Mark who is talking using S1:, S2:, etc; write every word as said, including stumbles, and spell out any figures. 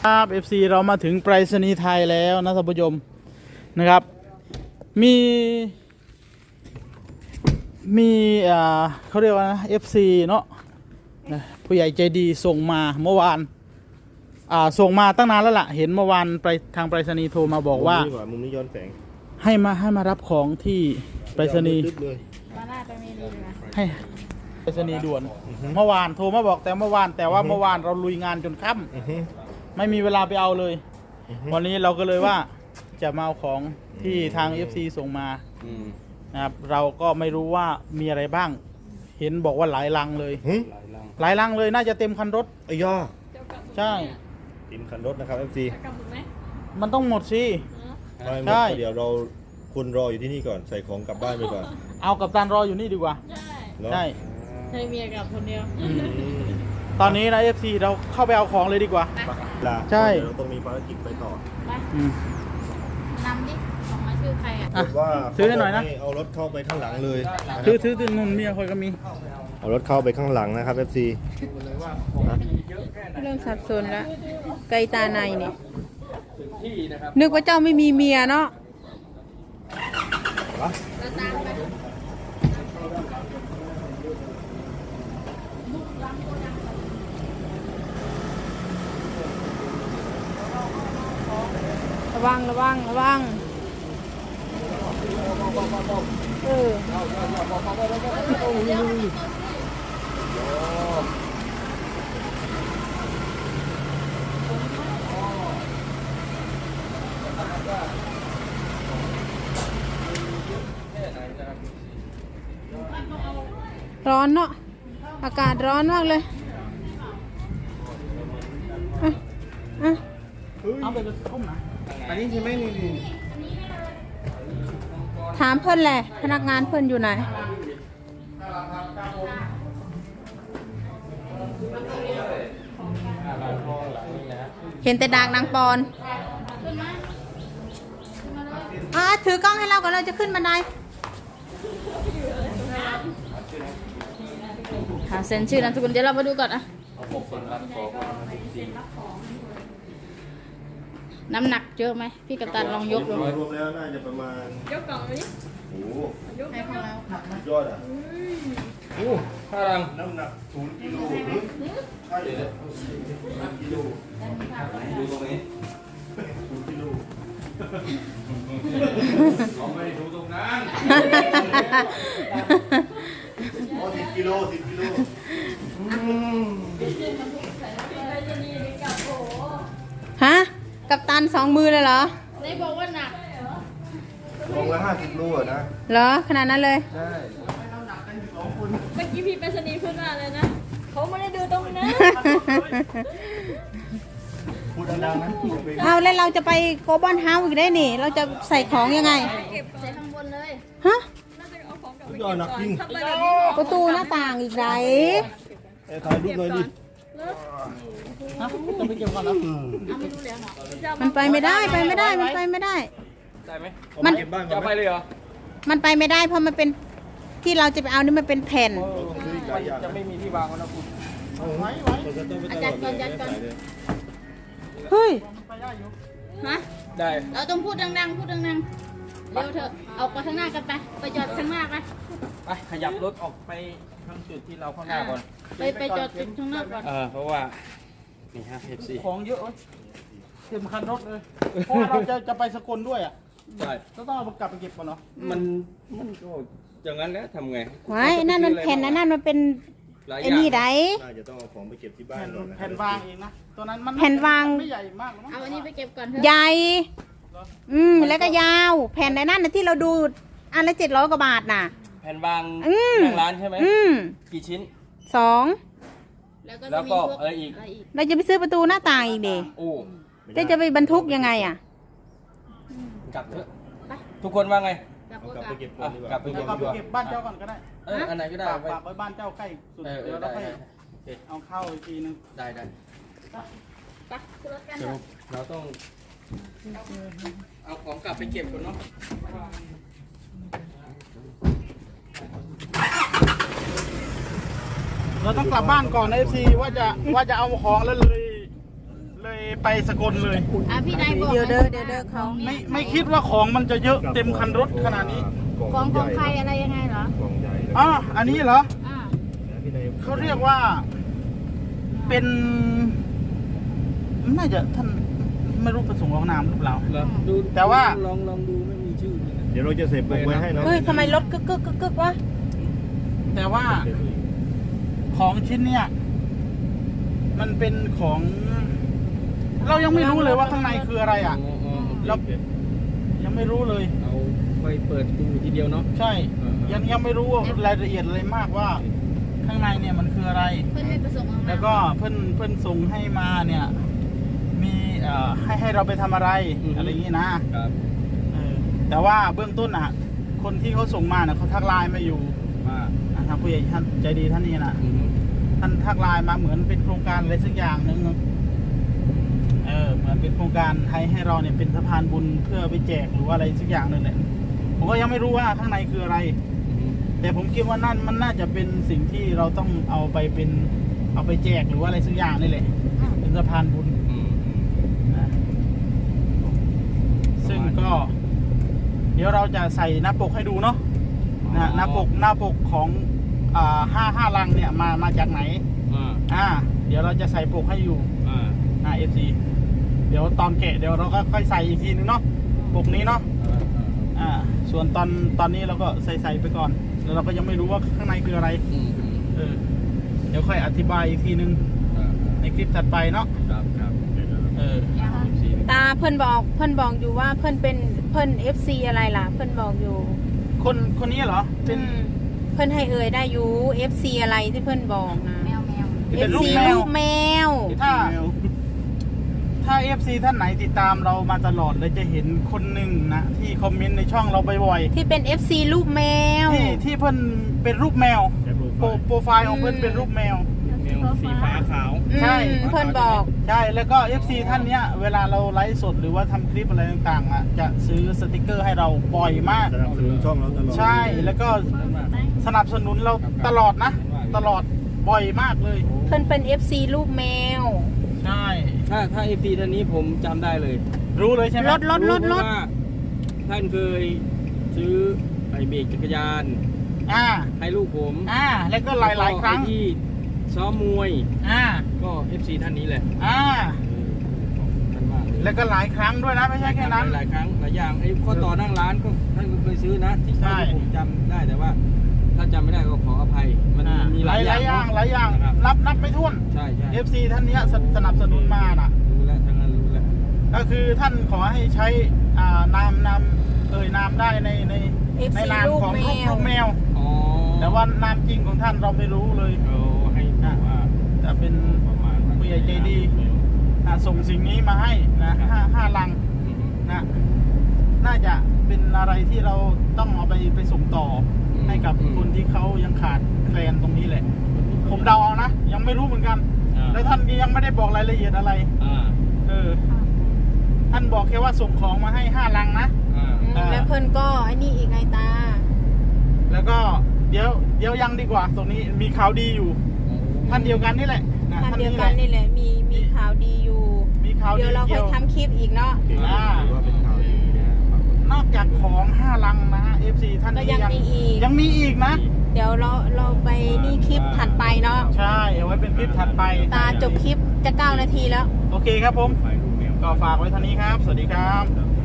S1: ครับ เอฟ ซี เรามาถึงไปรษณีย์ไทยแล้วนะท่านผู้ชมนะครับมีมีอ่าเขาเรียกว่านะ เอฟ ซี เนาะผู้ใหญ่ใจดีส่งมาเมื่อวานอ่าส่งมาตั้งนานแล้วล่ะเห็นเมื่อวานไปทางไปรษณีย์โทรมาบอกว่า
S2: มุมนี้ย้อนแสง
S1: ให้มาให้มารับของที่ไปรษณีย์
S3: มาหน้าไปเมนีเลยนะ
S1: ให้ไปรษณีย์ด่วนเมื่อวานโทรมาบอกแต่เมื่อวานแต่ว่าเมื่อวานเราลุยงานจนค่ำไม่มีเวลาไปเอาเลยวันนี้เราก็เลยว่าจะมาเอาของที่ทาง เอฟ ซี ส่งมานะครับเราก็ไม่รู้ว่ามีอะไรบ้างเห็นบอกว่าหลายลังเลยหลายลังเลยน่าจะเต็มคันรถ
S2: ไอ้ย่อ
S1: ใช่
S2: เต็มคันรถนะครับ เอฟ ซี
S1: มันต้องหมดสิ
S2: ใช่เดี๋ยวเราคุณรออยู่ที่นี่ก่อนใส่ของกลับบ้านไปก่อน
S1: เอากับตันรออยู่นี่ดีกว่าใช่
S3: ใช่เมียกับคนเดียว
S1: ตอนนี้นะ เอฟ ซี เราเข้าไปเอาของเลยดีกว่าใช่
S2: เราต้องมีภารกิจไปต่อ
S3: ไปนำดิของมาชื่อใครอ่ะ
S2: ว่า
S1: ซื้อให้หน่อยนะ
S2: เอารถเข้าไปข้างหลังเลย
S1: ซื้อซื้อซื้อนุ่นเมียคอยก็มี
S2: เอารถเข้าไปข้างหลังนะครับ เอฟ ซี
S4: เริ่มสับสนแล้วไกลตาในนี่นึกว่าเจ้าไม่มีเมียเนาะระวังระวังระวังเออร้อนเนาะอากาศร้อนมากเลยอ่ะอ่ะ
S1: เอาไปเลยต้มนะ
S2: อันนี้ใช่ไหมนี่
S4: ถามเพื่อนแหละพนักงานเพื่อนอยู่ไหนเห็นแต่ดากนางปอนอ่ะถือกล้องให้เราก่อนเราจะขึ้นบันได
S3: หาเซ็นชื่อนามสกุลเดี๋ยวเรามาดูก่อนอะน้ำหนักเยอะไหมพี่กัปตันลองยกดู
S2: รวมแล้วน่าจะประมาณ
S3: ยกกล่องนี้
S2: โอ้
S3: ยกให้ของเรา
S2: ยอดอ่ะ
S1: โอ้ท่ารัง
S2: น้ำหนักศูนย์กิโลใช่เลยกิโลดูตรงนี้ศูนย์กิโลเราไม่ดูตรงนั้นโอ้สิบกิโลสิบกิโล
S4: ฮะกับตันสองมือเลยเหรอ
S3: ไหนบอกว่าหนัก
S2: ลงละห้าสิบโลนะ
S4: เหรอขนาดนั้นเลย
S2: ใช่
S3: เมื่อกี้พี่ไปสนีพูดว่าอะไรนะเขาไม่ได้ดูตรงนั้น
S2: พูดดังๆนะ
S4: เอาแล้วเราจะไปโกลบอลเฮาส์อีกได้นี่เราจะใส่ของยังไง
S3: เก็บใส่ข้างบนเลย
S4: ฮะ
S2: ยอดหนักจริง
S4: ประตูหน้าต่างอีกไร
S2: ถ่ายรูปเลยดิ
S1: จะไปเก็บก่อนแล้ว
S4: มันไปไม่ได้ไปไม่ได้มันไปไม่ได้
S1: ได้ไหม
S4: มัน
S1: จะไปเลยเหรอ
S4: มันไปไม่ได้เพราะมันเป็นที่เราจะไปเอานี่มันเป็นแผ่น
S1: จะไม่มีที่วางแล้วนะคุณไว้ไว้
S3: อาจารย์ก่อนอาจารย์ก่อน
S4: เฮ้ย
S3: ฮะ
S1: ได้
S3: เราต้องพูดดังๆพูดดังๆเร็วเถอะเอาไปข้างหน้ากันไปไปจอดข้างหน้าไป
S1: ไปขยับรถออกไปทางจุดที่เราข้างหน้าก่อน
S3: ไปไปจอดจุดข้างหน้าก่อน
S1: เออเพราะว่านี่ฮะ เอฟ ซี ของเยอะเต็มคันรถเลยเพราะว่าเราจะจะไปสกลด้วยอ่ะใช่ต้องเอากลับไปเก็บก่อนเนาะมันมันก็อย่างนั้นแล้วทำไง
S4: ไว้นั่นมันแผ่นนั่นมันเป็นไอ้นี่ได
S2: น่าจะต้องเอาของไปเก็บที่บ้าน
S1: แผ่นวางเองนะตัวนั้นมัน
S4: แผ่นวาง
S1: ไม่ใหญ่มาก
S3: เอาอันนี้ไปเก็บก่อนเถอะ
S4: ใหญ่อืมแล้วก็ยาวแผ่นในนั้นนะที่เราดูอันละเจ็ดร้อยกว่าบาทน่ะ
S1: แผ่นวางทางร้านใช่ไหมกี่ชิ้น
S4: สอง
S1: แล้วก็อะไรอีก
S4: เราจะไปซื้อประตูหน้าต่างอีกดิ
S1: โอ้
S4: จะจะไปบรรทุกยังไงอ่ะ
S1: กลับเถอะทุกคนว่าไง
S2: กลับไปเก็บก่อนดีกว่าก
S1: ลับไปเก็บบ้านเจ้าก่อนก็ได้
S2: เออ
S1: อันไหนก็ได้ฝากไว้บ้านเจ้าใกล้สุดเดี๋ยวเราไปเอาเข้าอีกทีนึงได้ได้สรุปเราต้องเอาของกลับไปเก็บก่อนเนาะเราต้องกลับบ้านก่อนนะ เอฟ ซี ว่าจะว่าจะเอาของแล้วเลยเลยไปสกลเลย
S3: อ่ะพี่นายบอก
S4: เดี๋ยวเด้อเดี๋ยวเด้อเขา
S1: ไม่ไม่คิดว่าของมันจะเยอะเต็มคันรถขนาดนี้
S3: ของของใครอะไรยังไงเหรอก
S2: ล่องใหญ่เลย
S1: อ๋ออันนี้เหรอ
S3: อ่า
S2: พี่นาย
S1: เขาเรียกว่าเป็นน่าจะท่านไม่รู้ประสงค์ของนามหรือเปล่า
S5: เหรอดู
S1: แต่ว่า
S5: ลองลองดูไม่มีชื่อเลยนะ
S2: เดี๋ยวเราจะเสพปกไว้ให้เนาะ
S4: เฮ้ยทำไมรถกึกกึกกึกกึกวะ
S1: แต่ว่าของชิ้นเนี้ยมันเป็นของ เรายังไม่รู้เลยว่าข้างในคืออะไรอ่ะ
S5: อ๋ออ๋อ
S1: เรายังไม่รู้เลย
S5: เอาไปเปิดดูทีเดียวเนาะ
S1: ใช่ ยังยังไม่รู้ว่ารายละเอียดอะไรมากว่า ข้างในเนี่ยมันคืออะไร
S3: เพื่อนไม่ประสงค์ออกมา
S1: แล้วก็เพื่อนเพื่อนส่งให้มาเนี่ย มีเอ่อให้ให้เราไปทำอะไรอะไรอย่างนี้นะครับ เออแต่ว่าเบื้องต้นอ่ะ คนที่เขาส่งมาเนี่ยเขาทักไลน์มาอยู่
S5: ว่า
S1: อ่ะทางผู้ใหญ่ท่านใจดีท่านนี้นะ
S5: อืม
S1: ท่านทักไลน์มาเหมือนเป็นโครงการอะไรสักอย่างหนึ่งเออเหมือนเป็นโครงการให้ให้เราเนี่ยเป็นสะพานบุญเพื่อไปแจกหรือว่าอะไรสักอย่างหนึ่งแหละผมก็ยังไม่รู้ว่าข้างในคืออะไร
S5: อืม
S1: แต่ผมคิดว่านั่นมันน่าจะเป็นสิ่งที่เราต้องเอาไปเป็นเอาไปแจกหรือว่าอะไรสักอย่างนี่แหละเป็นสะพานบุญ
S5: อืมอืม
S1: นะซึ่งก็ เดี๋ยวเราจะใส่หน้าปกให้ดูเนาะนะหน้าปกหน้าปกของอ่าห้าห้าลังเนี่ยมามาจากไหน
S5: อ่า
S1: อ่า เดี๋ยวเราจะใส่ปกให้อยู่
S5: อ่า
S1: อ่าเอฟซีเดี๋ยวตอนแกะเดี๋ยวเราก็ค่อยใส่อีกทีนึงเนาะปกนี้เนาะอ่า ส่วนตอนตอนนี้เราก็ใส่ใส่ไปก่อนแล้วเราก็ยังไม่รู้ว่าข้างในคืออะไร
S5: อืมอืม
S1: เออ เดี๋ยวค่อยอธิบายอีกทีนึง
S5: อ่า
S1: ในคลิปถัดไปเนาะ
S5: ครับครับ
S1: เออ
S4: ตาเพื่อนบอกเพื่อนบอกอยู่ว่าเพื่อนเป็นเพื่อนเอฟซีอะไรล่ะ เพื่อนบอกอยู่
S1: คนคนนี้เหรอเป็น
S4: อืมเพื่อนให้เอ่ยได้อยู่เอฟซีอะไรที่เพื่อนบอกนะ
S3: แมวแมว
S4: เอ
S1: เป็น
S4: ฟ
S1: ลูก
S4: ซี
S1: แมว
S4: ลูกแมว
S1: ถ้า ถ้า เอฟ ซี ท่านไหนติดตามเรามาตลอดเลยจะเห็นคนหนึ่งนะที่คอมเมนต์ในช่องเราบ่อย
S4: ที่เป็น เอฟ ซี ลูกแมว
S1: ๆที่ที่เพิ่นเป็นรูปแมว
S2: ใช้โปรไฟ
S1: โปร
S2: ล์
S1: โปรไฟล์ของเพิ่นเป็นรูปแมว
S5: แมวสีฟ้าขาว
S1: ใช่
S4: อืมเพื่อนบอก
S1: ใช่ แล้วก็ เอฟ ซี ท่านเนี้ย เวลาเราไลฟ์สดหรือว่าทำคลิปอะไรต่างๆอ่ะจะซื้อสติกเกอร์ให้เราบ่อยมาก
S2: สนับสนุนช่องเราตลอด
S1: ใช่แล้วก็สนับสนุนเราตลอดนะ ตลอดบ่อยมากเลย
S4: เพื่อนเป็น เอฟ ซี ลูกแมว
S1: ใช่
S5: ถ้าถ้าเอฟซีท่านนี้ผมจำได้เลย
S1: รู้เลยใช่ไหม
S4: รถรถรถรถ
S5: เพาะว่าท่านเคยซื้อไอเบรกจักรยาน
S1: อ่า
S5: ให้ลูกผม
S1: อ่า แล้วก็หลายๆครั้ง
S5: ไอ้ที่ซ้อมมวย
S1: อ่า
S5: ก็ เอฟ ซี ท่านนี้แหละ
S1: อ่า
S5: ท่านมากเลย
S1: แล้วก็หลายครั้งด้วยนะไม่ใช่แค่นั้น
S5: หลายครั้งหลายอย่างไอ้ข้อต่อนั่งร้านก็ท่านก็เคยซื้อนะที่
S1: ใช่
S5: ที่ผมจำได้แต่ว่า ถ้าจำไม่ได้ก็ขออภัย มัน
S1: อ่า
S5: มี
S1: ห
S5: ห
S1: ลา
S5: ลาย ย
S1: ห
S5: อ
S1: ลา
S5: ย่าย ง
S1: อย่างหลายอย่าง
S5: นะครับ
S1: นับนับไม่ถ้วน
S5: ใช่ใช่
S1: เอฟ ซี ท่านเนี้ยสสนับสนุนมาน่ะ
S5: รู้แล้วทั้งนั้นรู้แล้ว
S1: ก็คือท่านขอให้ใช้อ่านามนามเอ่ยนามได้ในใน
S4: เอฟ
S1: ใน
S4: ซี
S1: นาม
S4: ลูก
S1: ของ
S4: แม
S1: ลูก
S4: ว
S1: ลูกแมว
S5: อ๋อ
S1: แต่ว่านามจริงของท่านเราไม่รู้เลย
S5: เอาให้ดูว่า
S1: จะเป็น
S5: ประมาณ
S1: ผู้ใหญ่ใจดีนะส่งสิ่งนี้มาให้นะห้าห้าลัง
S5: อืม
S1: นะน่าจะเป็นอะไรที่เราต้องเอาไปไปส่งต่ออ
S5: ม
S1: ให้กับ
S5: อืม
S1: คนที่เขายังขาดแคลนตรงนี้แหละ ผมเดาเอานะ ยังไม่รู้เหมือนกัน
S5: อ่า
S1: แล้วท่านก็ยังไม่ได้บอกรายละเอียดอะไร
S5: อ่า
S1: เออ ท่านบอกแค่ว่าส่งของมาให้ห้าลังนะ
S5: อ่า
S4: อืมแล้วเพื่อนก็ไอ้นี่อีกไงตา
S1: แล้วก็เดี๋ยวเดี๋ยวยังดีกว่า ตรงนี้มีข่าวดีอยู่ ท่านเดียวกันนี่แหละะ
S4: ท่านเดียว
S1: แห
S4: กั
S1: ละ
S4: นนี่แหละมีมีข่าวดีอยู่
S1: มีข่าวดี
S4: เดี๋ยวเราค่
S1: เกี่
S4: อย
S1: ยว
S4: ทำคลิปอีกเนาะ
S1: อ่า
S2: ถือว่าเป็นข่าวดีนะ
S1: นอกจากของห้าลังนะฮะ เอฟ ซี ท่าน
S4: ก็
S1: นี้
S4: ยังมีอีก
S1: ยังมีอีกนะ
S4: เดี๋ยวเราเราไปนี่คลิปถัดไปเนาะ
S1: ใช่ เอาไว้เป็นคลิปถัดไป
S4: ตาจบคลิปจะเก้านาทีแล้ว
S1: โอเคครับผม
S5: ไฟลูกแมว
S1: ก็ฝากไว้เท่านี้ครับ สวัสดีครับ